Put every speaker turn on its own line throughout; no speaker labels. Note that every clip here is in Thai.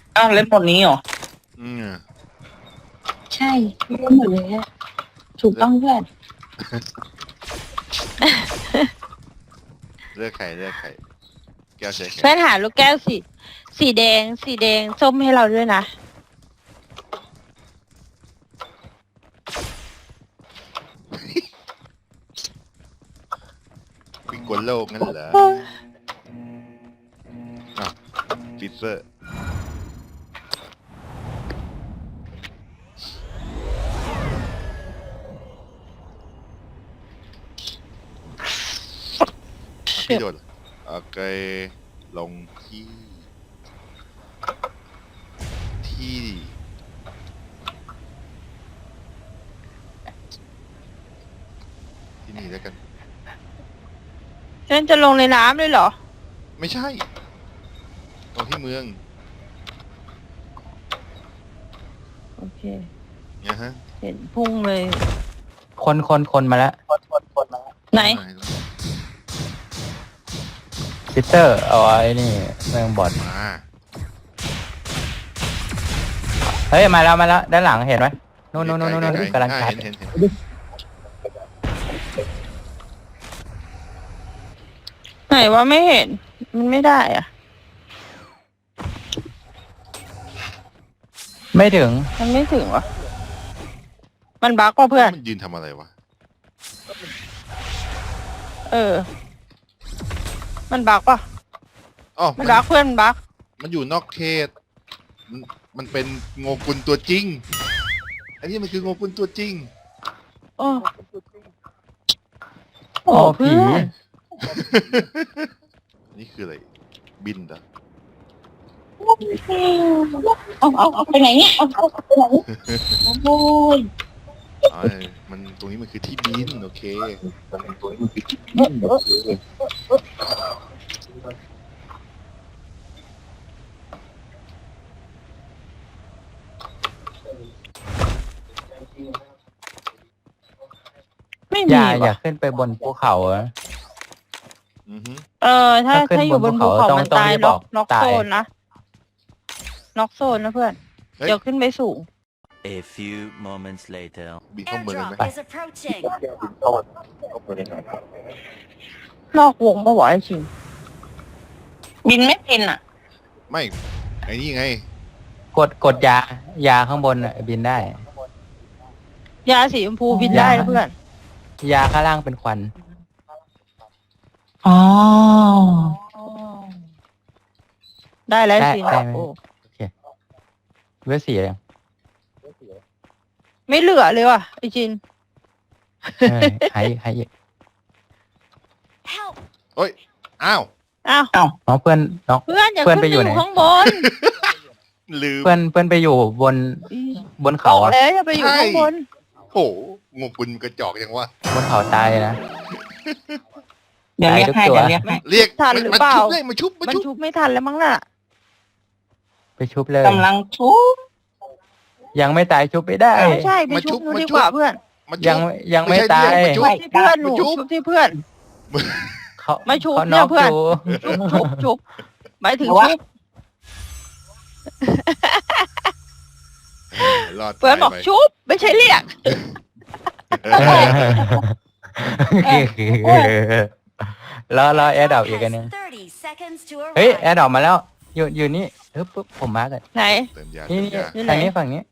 อ้าวเล่นหมดนี้เหรอ
อืม
ใช่รู้หมดเลยอะถูกต้องเพื่อน
เลือกไข่เลือกไข่แก้วใช้ไข่
เพื่อนหาลูกแก้วสีแดงส้มให้เราด้วยนะ
ปิงกวนโลกงั้นเหรออ่ะฟิเซอร์พี่โดดโอเคลงที่ที่นี่แล้วกัน
เพื่อนจะลงในน้ำเลยเหรอ
ไม่ใช่ตรงที่เมือง
โอเค
เนี่ยฮะ
เห็นพุ่งเลย
คนมาแล้ว
ไหน
ซิสเตอร์เอาไอ้นี่เมืองบอด
มา
เฮ้ยมาแล้วด้านหลังเห็นไหมนู่น
ไๆๆ
กำลังชาร์จ
เห็น
ไหนว่าไม่เห็น มันไม่ได้อ่ะ
ไม่ถึง
มันไม่ถึงวะมันบั๊กว่ะเพื่อน
มันยืนทำอะไรวะ
เออ มันบั๊กว่ะ
อ๋อ
มันบั๊กเพื่อนมันบั๊ก
มันอยู่นอกเขตมันเป็นโงกุลตัวจริง อันนี้มันคือโงกุลตัวจริง
โอ้
โอ้ผี
เพื่อน
นี่คืออะไร บินเหรอ
เอาไปไหนเนี่ยเอาไปไหนโอ้ย
อ๋อมันตรงนี้มันคือที่บิน โอเค
ไม่
อ
มี
ย่า
ว่ะ
ขึ้นไปบนภูเขาอะ
อือฮึ
ถ้า
ถ้าขึ้น
ถ้าอยู่บนภูเขา
บนภูเขา
มัน
ต้อง
ตาย
รีบ
น็
อ
อ
อก ก
น็อก
ตาย
โซนนะน็อกโซนนะเพื่อน
เฮ้ย
เดี๋ยวขึ้นไปสูง
A few moments later.
บินเข้าเมืองกันไหม
Airdrop is approaching
นอกวงปะวะไอ้ชิง
บินไม่เป็นอ่ะ
ไม่ ไอ้นี่ไง
กดยาข้างบนอะบินได้
ยาสีชมพูบินได้นะเพื่อน
ยาข้างล่างเป็นควัน
อ๋อ
ได้แล้ว
ได้
สิ
ได้ไหม
โอ้
เวสีเลย
ไม่เหลือเลยว่ะไอ้จิน
หายอีก
help
เฮ้ย อ้าว
อ้าว
น้องเพื่อนน้อง
เพื่อนอย่า
เพื่อน
ขึ้น
ไป
ไป
อ
อยู่ ยู่
ไหน
ข้างบน
ลืม
เพื่อนไปอยู่บน
บ
เขา
อก
อะ
แล้วอย่าไปอยู่ข้างบน
โอ้โหโงกุลกระจอกยังวะ
บนเขาตายนะ
เดี๋ยวเรียกให้
ตายทุกตัว
เดี๋ยวเรียกให้
เรียก
ทันหรือเปล่า
มาชุบ
มันชุบไม่ทันแล้วมั้งน่ะ
ไปชุบเลย
กำลังทุบ
ยังไม่ตายชุบไม่ได้
ไม่ใช่ไปชุบนู้นดีกว่าเพื่อน
มาชุบ
ยังไม่ตาย
ไม่ใช่
ที่เพื่อนหนู
มาชุบ
ชุบที่เพื่อน
เขา
ไม่ชุบ
เขา
เนี่ย
น็อก
เพื่อน
อยู่
ชุบหมายถึงชุบ
รอด
เพื่อนบอก
ตายไป
ชุบไม่ใช่เรียก
รอแอร์ดรอปอีกอันนึง
30 seconds to
เฮ้ย
arrive
แอร์ดรอปมาแล้ว อยู่นี่ปุ๊บผมมาร์กเลย
ไหน
เติมยา
นี่
เติมยา
อยู่ไหน
ทางนี้ฝั่งนี้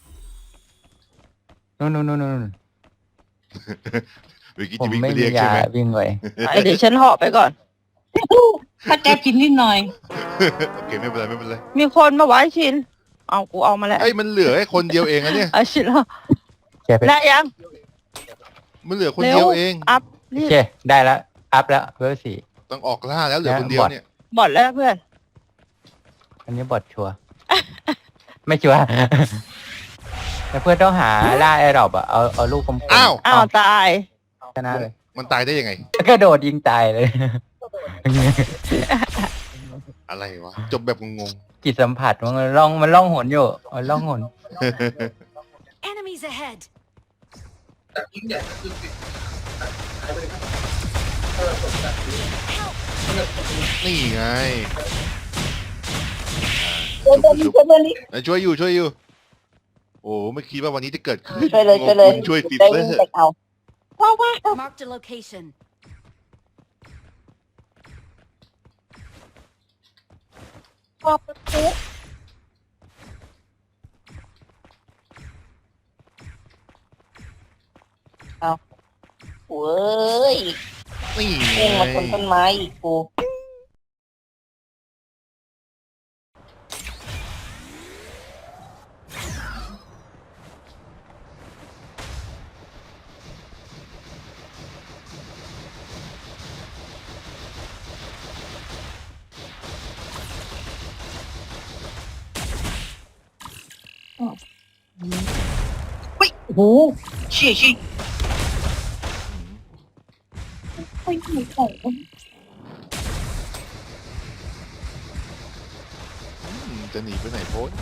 นู่น
เมื่อกี้
ผม
จะวิ่ง
ไม่
ไป
มี
เรียก
ยา
ใช่ไหม
วิ่งไป
เดี๋ยวฉันเหาะไปก่อน
ถ้าแกกินนิดหน่อย
โอเคไม่เป็นไรไม่เป็นไร
มีคนมาไว้ชิน เอากูเอามาแล้ว
ไอ้ยมันเหลือแค่คนเดียวเองอะเนี่ย
เอาชินแล้ว
แค่ไป
ได้ยัง
มันเหลือคน
เร็
เดียว วเอง
อัพ
โอ
รีบ
เคได้แล้ว อัพแล้วเบอร์สี่
ต้องออกล่าแล้วเหลือคนเดียวเนี่ย
บอดแล้วเพื่อน
อันนี้บอดชัวร์ ไม่ชัวร์ แต่เพื่อนต้องหาล่าแอร์ดรอปอะเอาลูกกลมๆ
อ้าว
อ้าวตาย
ชนะเลย
มันตายได้ยังไง
กระโดดยิงตายเลย
อะไรวะ จบแบบงง
จิตสัมผัสมันล่องหนอยู่มันล่องหน
enemies ahead
ๆ นี่ไง
ช่วยเพื่อนดิช่วยเพื่อนดิ
ช่วยอยู่ โอ้ไม่คิดว่าวันนี้จะเกิดขึ้น
ช่วยเลยช่วยเลย
ช่วยฟิต
ได้
เลอ
วิ่ง
ร์
ไปเอาว้าวว้าว
Marked a location.
ขอบคุณ เว้ย
นี่
เองมาชนต้นไม้อีกกู
โอ้โหเชี่ย
ไม่มีของ
จะหนีไปไหนโพส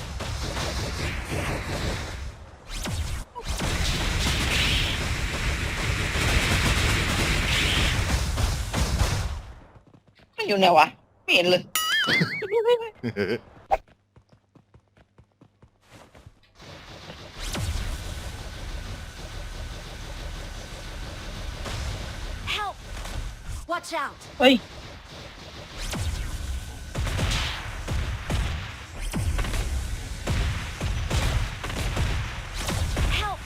ไม่อยู่ไหนวะไม่เห็นเลย
Help! Watch out!
เฮ้ย
Help!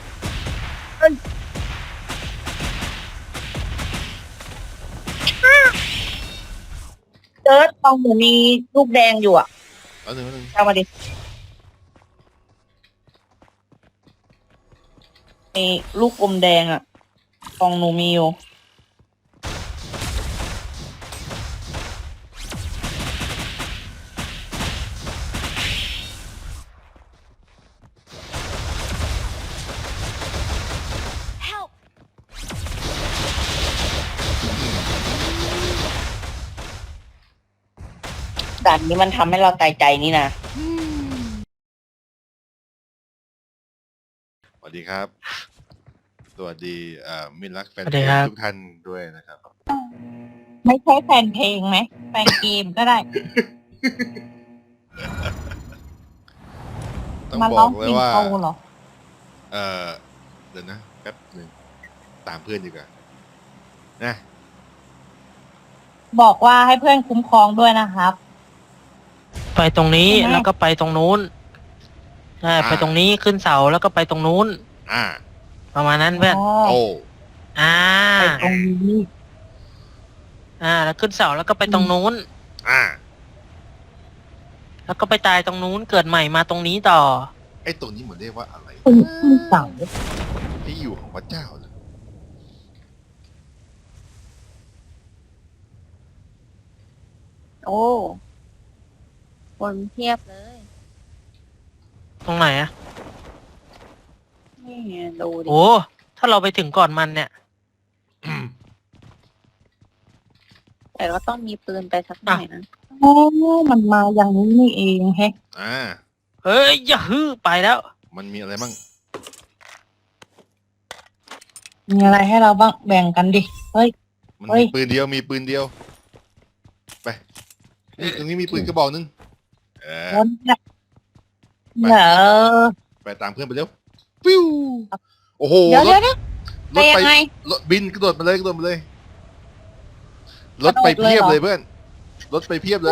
เจิร์ดตรงหนูมีลูกแดงอยู่อ่ะ
เอาหนึ่ง
เอามาดิมีลูกอมแดงอ่ะกองหนูมีอยู่
Help!
ด่านนี้มันทำให้เราตายใจนี่นะ
สวัสดีครับ สวัสดีมิตรรักแฟน
สวัส
เพ
ดี
ล
ครับ
งทุกท่านด้วยนะครับ
ไม่ใช่แฟนเพลงไหมแฟนเกมก็ได้
ต้อง
มา
บ
ร้
อ
อง
ก
เพ
เล
ล
ย
ง
ว่า
โตเหรอ
เดี๋ยวนะแป๊บหนึ่งตามเพื่อนดีกว่านะ
บอกว่าให้เพื่อนคุ้มครองด้วยนะครับ
ไปตรงนี้
ใช่ไหม
แล้วก็ไปตรงนู้นใช่ไปตรงนี้ขึ้นเสาแล้วก็ไปตรงนู้น
อ่า
ประมาณนั้นเพื่อน
โอ้
อ่า
ไปตรงนี้
แล้วขึ้นเสาแล้วก็ไปตรงนู้น
อ่า
แล้วก็ไปตายตรงนู้นเกิดใหม่มาตรงนี้ต่อ
ไอ้ตรงนี้เหมือนเรียกว่าอะไร
คุณขึ้นเสา
ที่อยู่ของพระเจ้าเหรอ
โอ้คนเทียบเลย
ตรงไหนอะ
นี่ไงดูดิ
โอ้ถ้าเราไปถึงก่อนมันเนี่ย
แต่ก็ต้องมีปืนไปสักหน่อยนะ
โอ้มันมาอย่างนี้นี่เองแฮะ
อ่า
เฮ้ยอย่าฮือไปแล้ว
มันมีอะไรบ้าง
มีอะไรให้เราบ้างแบ่งกันดิ เฮ้ย
มัน
เฮ้
มี
ย
ปืนเดียวมีปืนเดียว ไปนี่ตรงนี้มีปืนกระบอกหนึงเออ
วนเนี่ยเหรอ
ไปตามเพื่อนไปเร็วฟิวโอ้โห
เดี๋ยว
ร
เดี๋ย
ถ
วเดี๋ยว
รถ
ไปยั
ไป
งไง
รถบินกระโดดมาเลยกระโดดมาเลย รถไป
กระโดดเลย
เพียบ
เหรอ
เลยเพื่อน รถไปเพียบเลย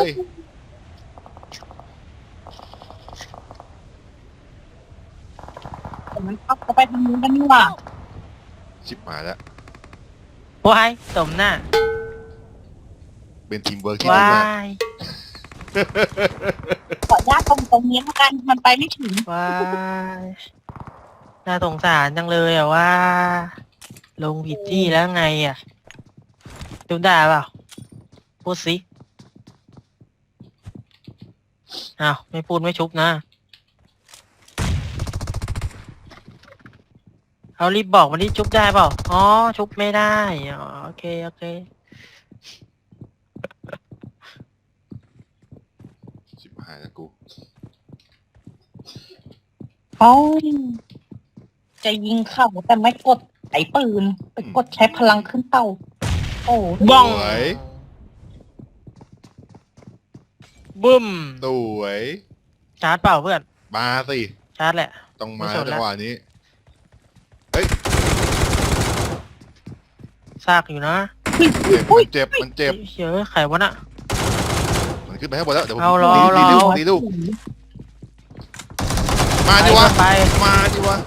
แต่มันเข้าไปทางนู้นกันนี่หว่า
ชิบหายแล้ว
ว้ายสมหน้า
เป็นทีมเวิร์กที่ดี
ว้าม
าก
ย
ขออนุญาตตรงนี้แล้วกันมันไปไม่ถึง
ว้ายน่าสงสารจังเลยอะว่า ลงผิดที่แล้วไงอะดูได้เปล่าพูดสิอ้าวไม่พูดไม่ชุบนะ เอารีบบอกวันนี้ชุบได้เปล่า อ๋อ ชุบไม่ได้ อ๋อ โอเค โอเค
ชิบหายแล้วกู
เขาจะยิงเข้าแต่ไม่กดไอ้ปืนไปกดใช้พลังขึ้นเต้า โอ้
บ้อง
สวย
บึ้ม
สวย
ชาร์จเปล่าเพื่อน
มาสิ
ชาร์จแหละ
ต้องมา
ไม่สนละ
จังหวะนี้
ซากอยู่นะ
เจ็บมันเจ็บ
เฮ้ยใครวะน่ะ
มันขึ้นไปให้หมดแล้วเดี๋ยวผม
เอารอ
ดี
รอ
ลูกดีลูกมาดิวะ
ไป
มาดิวะ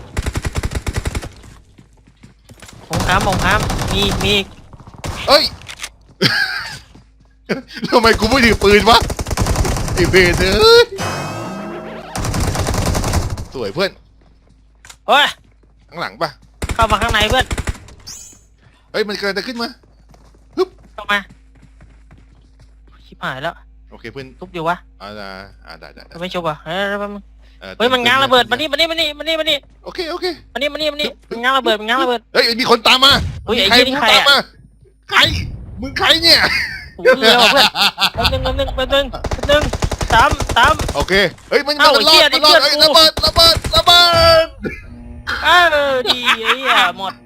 ของค้ำมีอีก
เอ้ย ทำไมกูไม่ถือปืนวะไอ้เบนเอ้ยสวยเพื่อน
เฮ้ย
ข้างหลังปะ
เข้ามาข้างในเพื่อน
เฮ้ยมันกำลังจะขึ้นมา
เข้ามาชิบหายแล้ว
โอเคเพื่อน
ทุบอยู่วะ
ได้
ไม่ชุบอ่ะเฮ้ยมันง้างระเบิดมานี่
โอเคโอเค
มันง้างระเบิด
เฮ้ยมีคนตามมา
เฮ้ยไอ้
ใคร
เหี้ยนี่
มึง
ใคร
ตาม
อะ
มาใครมึงใครเนี่ย
โอ้โหเร็วเพื่อนแป๊บนึงตาม
โอเคเฮ้ยมัน
เอ้า
มันรอ
ไอ้เหี้ย
ดมันรอด
นี่
เฮ้ย
เพื่
ระ
อนกู
เบิดระเบิดระเบิด
ดีไอ้เหี้ยหมด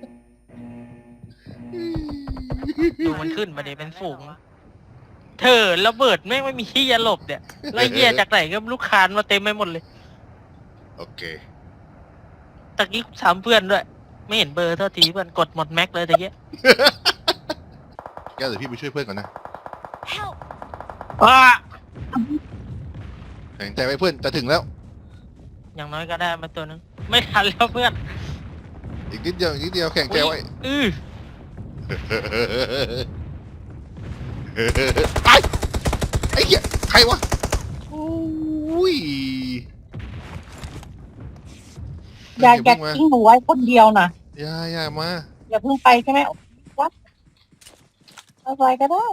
ดูมันขึ้นมาเดี๋ยวเป็นฝูงเธอระเบิดแม่งไม่มีที่จะหลบเนี่ยไล่เหี้ยจากไหนก็ลูกคานมาเต็มไปหมดเลย
โอเค
ตะกี้ถามเพื่อนด้วย ไม่เห็นเบอร์เท่าทีเพื่อนกดหมดแม็กเลยตะกี้
แกเดี๋ยวพี่ไปช่วยเพื่อนก่อนนะ
Help!
ว้า
แข็งใจไว้เพื่อนจะถึงแล้ว
อย่างน้อยก็ได้มาตัวนึงไม่ทันแล้วเพื่อน
อีกนิดเดียวแข็งใจไว้ ไอ้เหี้ยใครวะอุ้ย
อย่าทิ้งหนูไว้คนเดียวนะ
อย่ามา
อย่าเพิ่งไปใช่ไหมวัดอะไรก็ได้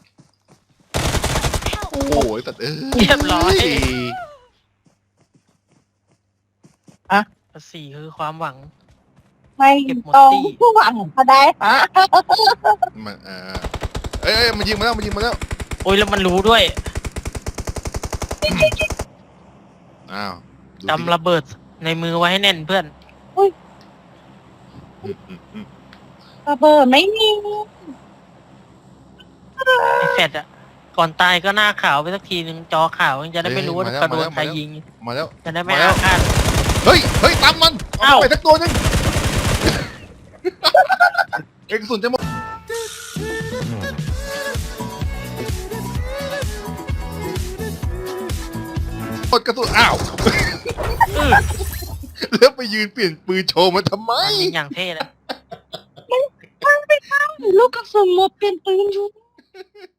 โอ้ยตัด
เรียบร้อย
อะ
สี่คือความหวัง
ไม่
เก็บหมด
ต้อง
ตี้
ผู้หวังก็ได้ฮะ
มันเอ้ยมันยิงมาแล้ว
โอ้ยแล้วมันรู้ด้วย
อ้าวดูสิ
จำระเบิดในมือไว้ให้แน่นเพื่อน
ระเบิดไม่มี
ไอ้แฟดอะก่อนตายก็หน้าขาวไปสักทีนึงจอขาวจะได้ไม่รู้ว่ากระโดนใครยิง
มาแล้ว
จะได้ไม่อาฆาต
เฮ้ยตามมันเอาไปสักตัวนึงเอกสุนจะหมดกระสุนอ้าวแล้วไปยืนเปลี่ยนปืนโชว์มันทำไม
ยิงอย่างเท่เลย
ลูกกระสุนหมดเป็นปืนอยู่